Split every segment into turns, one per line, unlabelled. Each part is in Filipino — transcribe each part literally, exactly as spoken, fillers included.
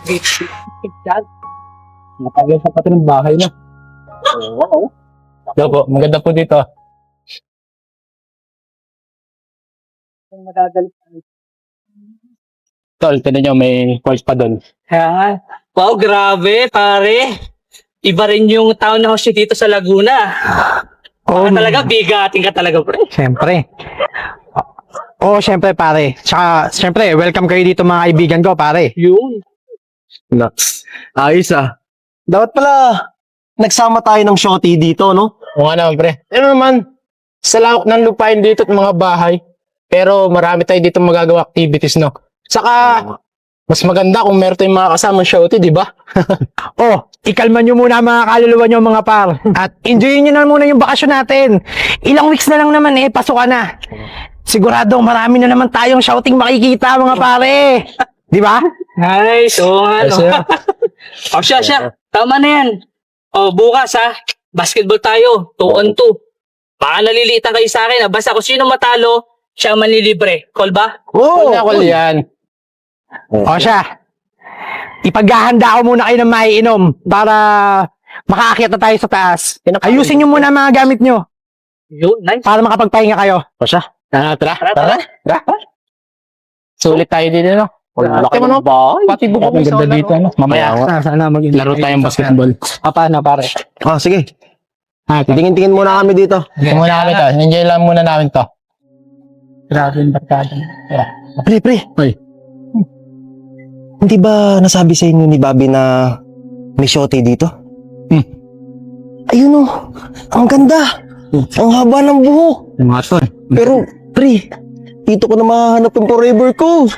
Matagal sa pati ng bahay na.
Oo.
Hello po, maganda po dito.
Madadali.
Tol, tinan nyo, may course pa doon.
Kaya nga. Wow, grabe, pare. Iba rin yung town house nyo dito sa Laguna.
Oo,
Baka talaga, bigating ka talaga, pre.
Siyempre. Oo, siyempre pare. Tsaka, siyempre, welcome kayo dito mga kaibigan ko, pare.
Yun.
Naks. Ayos ah. Dapat pala, nagsama tayo ng shorty dito, no?
Oo nga naman, pre. Ano naman, sa lawak ng lupain dito at mga bahay. Pero marami tayo dito magagawa activities, no? Saka, mas maganda kung meron tayong mga kasamang shorty, di ba?
Oh, ikalma nyo muna mga kaluluwa nyo mga par. At enjoyin nyo na muna yung bakasyon natin. Ilang weeks na lang naman eh, pasok ka na. Siguradong marami na naman tayong shouting makikita mga pare. Di ba?
Nice. Oo nga,
Yes,
no?
sir.
O siya, siya. Tama na yan. O, bukas, ha? Basketball tayo. Two on two. Baka naliliitan kayo sa akin, ha? Basta kung sino matalo, siya ang manlilibre. Call ba?
Oo, oh, call yan.
O siya. Ipaghahanda ko muna kayo ng maiinom para makaakyat na tayo sa taas. Ayusin nyo muna ang mga gamit nyo
Yun, nice.
para makapagpahinga kayo.
O siya. Ah, tara,
Tara,
tara.
tara.
Tara. Sulit tayo dito, no?
Wala
Laki mo, no? Pati bubong
Ang
sa
ganda dito, no?
Mamaya,
Sana, sana mag-
laro tayong basketball.
Ah, paano, pare?
Ah, sige.
Ha,
Tingin-tingin muna kami dito.
tingnan muna kami to. Enjoy lang muna namin to.
Grabe yung barkada.
Pre, pre.
Hoy.
Hindi ba nasabi sa inyo ni Bobby na may shorty dito?
Hmm.
Ayun oh. Ang ganda. Ang haba ng buhok.
Yung mga to, eh.
Pero, pre, dito ko na mahanap yung forever ko.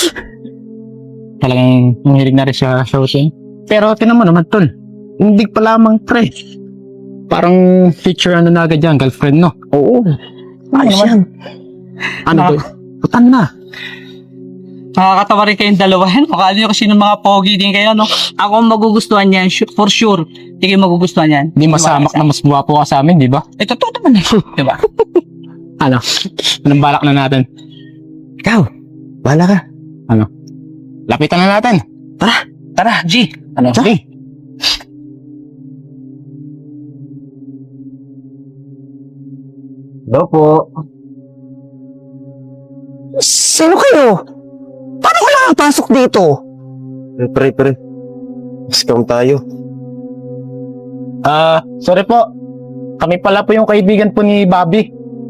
Talagang nangirig na rin siya shooting. Pero tinan mo naman, tol. Hindi pa lamang pre. Parang future ano na agad yan, girlfriend, no?
Oo. Ayos yan.
Ano to? Putan na.
Nakakatawa rin kayong dalawa yan. Mukha nyo kasi ng mga pogi din kayo, no? Ako ang magugustuhan yan, su- for sure. Hindi kayo magugustuhan yan.
Hindi masamak na mas guwapo ka sa amin, di ba?
Eh, totoo naman. Di ba?
Ano? Anong balak na natin?
Ikaw, bahala ka.
Lapitan na natin.
Tara, G.
Ano? Sige.
Hello po.
Sino kayo? Paano ko nakapasok dito?
Pre, pre, pre. Scam tayo.
Ah, sorry po. Kami pala po yung kaibigan po ni Bobby.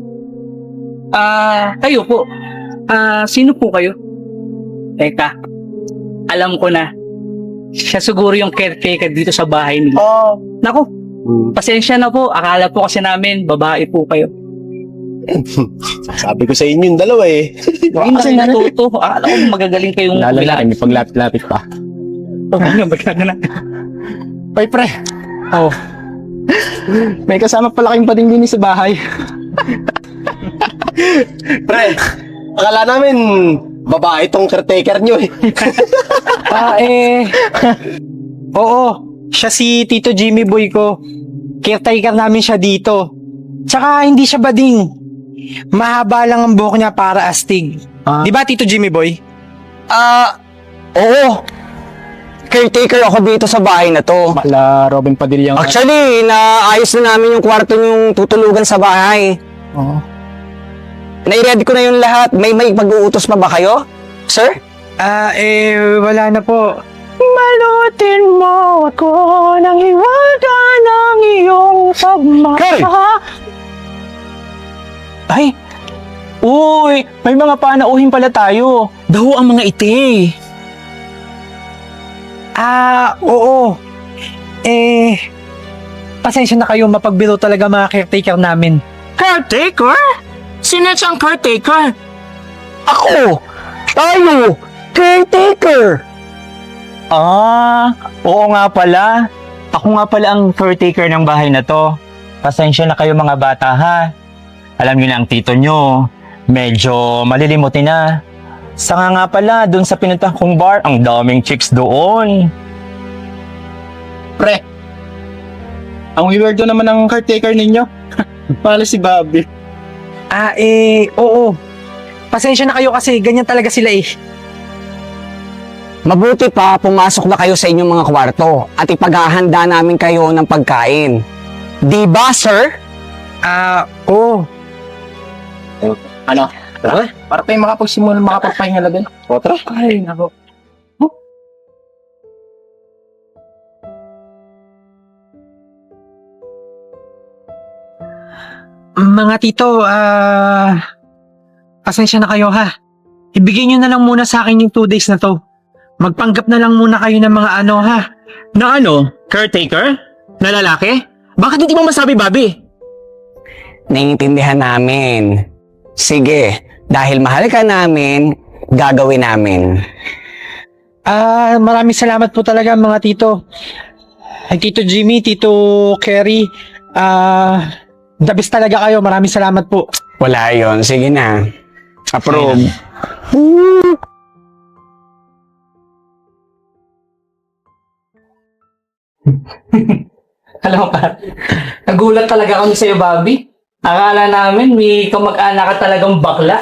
Ah, kayo po. Ah, sino po kayo? Teka. Alam ko na. Siya siguro yung caretaker dito sa bahay nila.
Oh.
Naku,
Hmm.
pasensya na po. Akala po kasi namin, babae po kayo.
Sabi ko sa inyo yung dalawa eh.
Hindi na kayo natuto. Akala ko magagaling kayong
Lalo na may paglapit-lapit pa.
Oh, ano, magkano na?
Hoy, pre. Oh. May kasama pala kayong padinggini sa bahay.
Pre, akala namin babae tong caretaker nyo eh.
Ah, eh. Oo. Siya si Tito Jimmy Boy ko. Caretaker namin siya dito. Tsaka hindi siya bading. Mahaba lang ang buhok niya para astig.
Ah.
Di ba, Tito Jimmy Boy?
Ah, oo. Caretaker ako dito sa bahay na to.
Mala Robin Padilla.
Actually, naayos na namin yung kwarto yung tutulugan sa bahay.
Oo.
Nai-ready ko na yung lahat. May may mag-uutos pa ba kayo? Sir?
Ah, eh, wala na po. Malutin mo ako ng hiwaga ng iyong pagmamahal. Ay! Uy! May mga panauhin pala tayo.
Daho ang mga iti.
Ah, oo. Eh, pasensya na kayo, mapagbiro talaga mga caretaker namin.
Caretaker? Sino siyang caretaker?
Ako! Tayo! Caretaker!
Ah, oo nga pala. Ako nga pala ang caretaker ng bahay na to. Pasensya na kayo mga bata ha. Alam niyo na ang tito nyo, medyo malilimutin na. Saka nga pala, dun sa pinuntahan kong bar, ang daming chicks doon.
Pre. Ang weirdo naman ng caretaker ninyo. Pala si Bobby.
Ah, eh, oo. Pasensya na kayo kasi ganyan talaga sila eh.
Mabuti pa, pumasok na kayo sa inyong mga kwarto at ipaghahanda namin kayo ng pagkain. Di ba, sir?
Ah, oo. Ano? Tara, para tayo makapagsimula, makapagpahinga na din. O, tara. Ay, nako.
Mga tito, ah... pasensya na kayo ha. Ibigay nyo na lang muna sa akin yung two days na to. Magpanggap na lang muna kayo ng mga ano ha.
Na ano? Caretaker? Na lalaki? Bakit hindi mo masabi, Bobby?
Naiintindihan namin. Sige, dahil mahal ka namin, gagawin namin.
Ah, maraming salamat po talaga mga tito. Ay, Tito Jimmy, Tito Kerry, ah... the best talaga kayo. Maraming salamat po.
Wala yon. Sige na. Approve.
Alam mo pa, nagulat talaga kami sa'yo, Bobby. Akala namin may kamag-anak ka talagang bakla.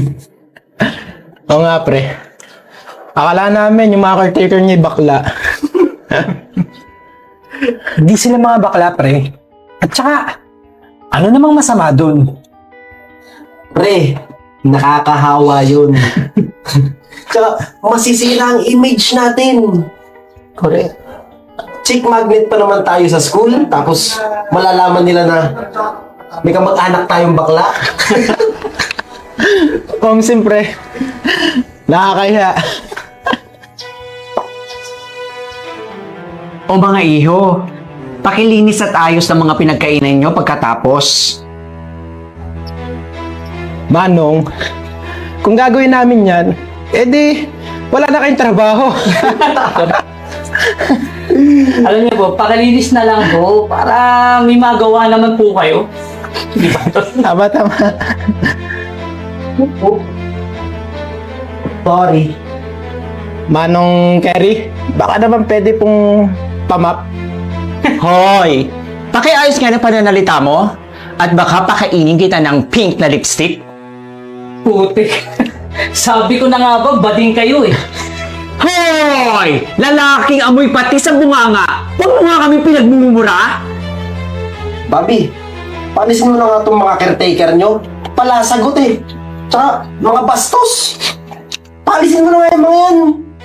Oo nga, pre. Akala namin yung mga caretaker niya bakla.
Hindi sila mga bakla, pre. At saka, ano namang masama dun?
Pre, nakakahawa yun. Tsaka, masisira ang image natin.
Correct.
Chick magnet pa naman tayo sa school, tapos malalaman nila na may kamag-anak tayong bakla.
Um, siyempre. Nakakahiya.
O mga iho, pakilinis at ayos ng mga pinagkainan nyo pagkatapos.
Manong, kung gagawin namin yan, edi, wala na kayong trabaho.
Alam niyo po, pakalinis na lang po para may magawa naman po kayo. Di ba?
Tama, tama.
Sorry.
Manong Kerry, baka naman pwede pong pamap.
Hoy! Pakiayos nga ng pananalita mo at baka pakainin kita ng pink na lipstick.
Putik. Sabi ko na nga ba, bading kayo eh.
Hoy! Lalaking amoy pati sa bunganga! Huwag mo nga kami pinagmumura!
Bobby, palisin mo na nga itong mga caretaker nyo. Palasagot eh. Tsaka, mga bastos. Palisin mo na nga yung mga yan.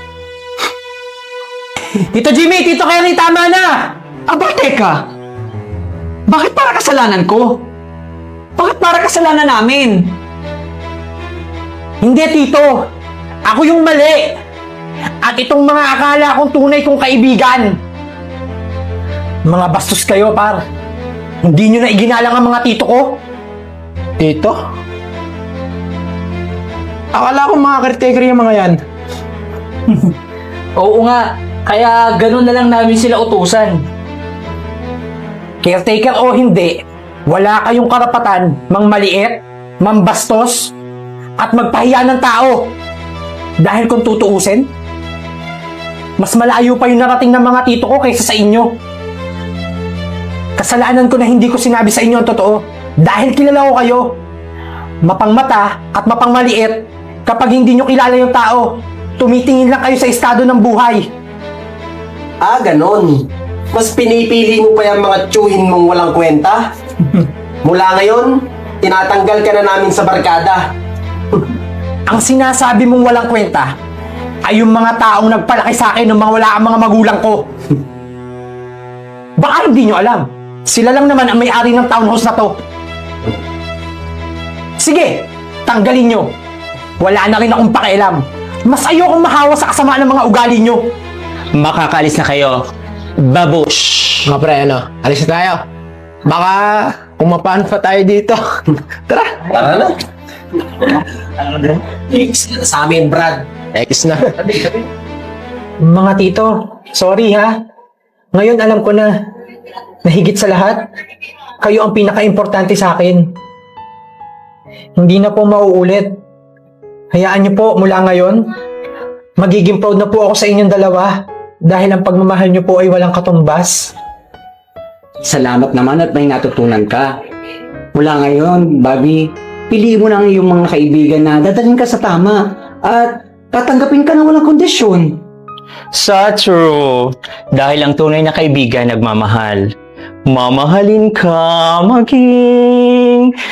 Tito Jimmy, Tito Kerry, tama na! Aba, teka! Bakit para kasalanan ko? Bakit para kasalanan namin? Hindi, Tito! Ako yung mali! At itong mga akala kong tunay kong kaibigan!
Mga bastos kayo, par. Hindi nyo na iginalang ang mga tito ko.
Dito? Akala ko mga caretaker yung mga yan.
Oo nga, kaya ganun na lang namin sila utusan.
Caretaker o hindi, wala kayong karapatan mang maliit, mambastos, at magpahiya ng tao. Dahil kung tutuusin, mas malayo pa yung narating ng mga tito ko kaysa sa inyo. Kasalanan ko na hindi ko sinabi sa inyo ang totoo dahil kilala ko kayo. Mapangmata at mapangmaliit kapag hindi nyo kilala yung tao. Tumitingin lang kayo sa estado ng buhay.
Ah, ganon. Mas pinipili mo pa yung mga tsuhin mong walang kwenta? Mula ngayon, tinatanggal ka na namin sa barkada.
Ang sinasabi mong walang kwenta ay yung mga taong nagpalaki sa akin ng mga wala ang mga magulang ko. Baka hindi nyo alam. Sila lang naman ang may-ari ng townhouse na to. Sige, tanggalin nyo. Wala na rin akong pakialam. Mas ayokong mahawa sa kasamaan ng mga ugali nyo.
Makakalis na kayo. Babush!
Mga pre, ano? Alis na tayo. Baka kumapaan pa tayo dito. Tara.
Tara na. X na sa amin, Brad.
X na.
Mga tito, sorry ha. Ngayon alam ko na, na higit sa lahat, kayo ang pinaka-importante sa akin. Hindi na po mauulit. Hayaan niyo po mula ngayon, magiging proud na po ako sa inyong dalawa dahil ang pagmamahal niyo po ay walang katumbas.
Salamat naman at may natutunan ka. Mula ngayon, Bobby, piliin mo na ang iyong mga kaibigan na dadalhin ka sa tama at tatanggapin ka na walang kondisyon.
Sa true. Dahil ang tunay na kaibigan nagmamahal. Mamahalin ka maging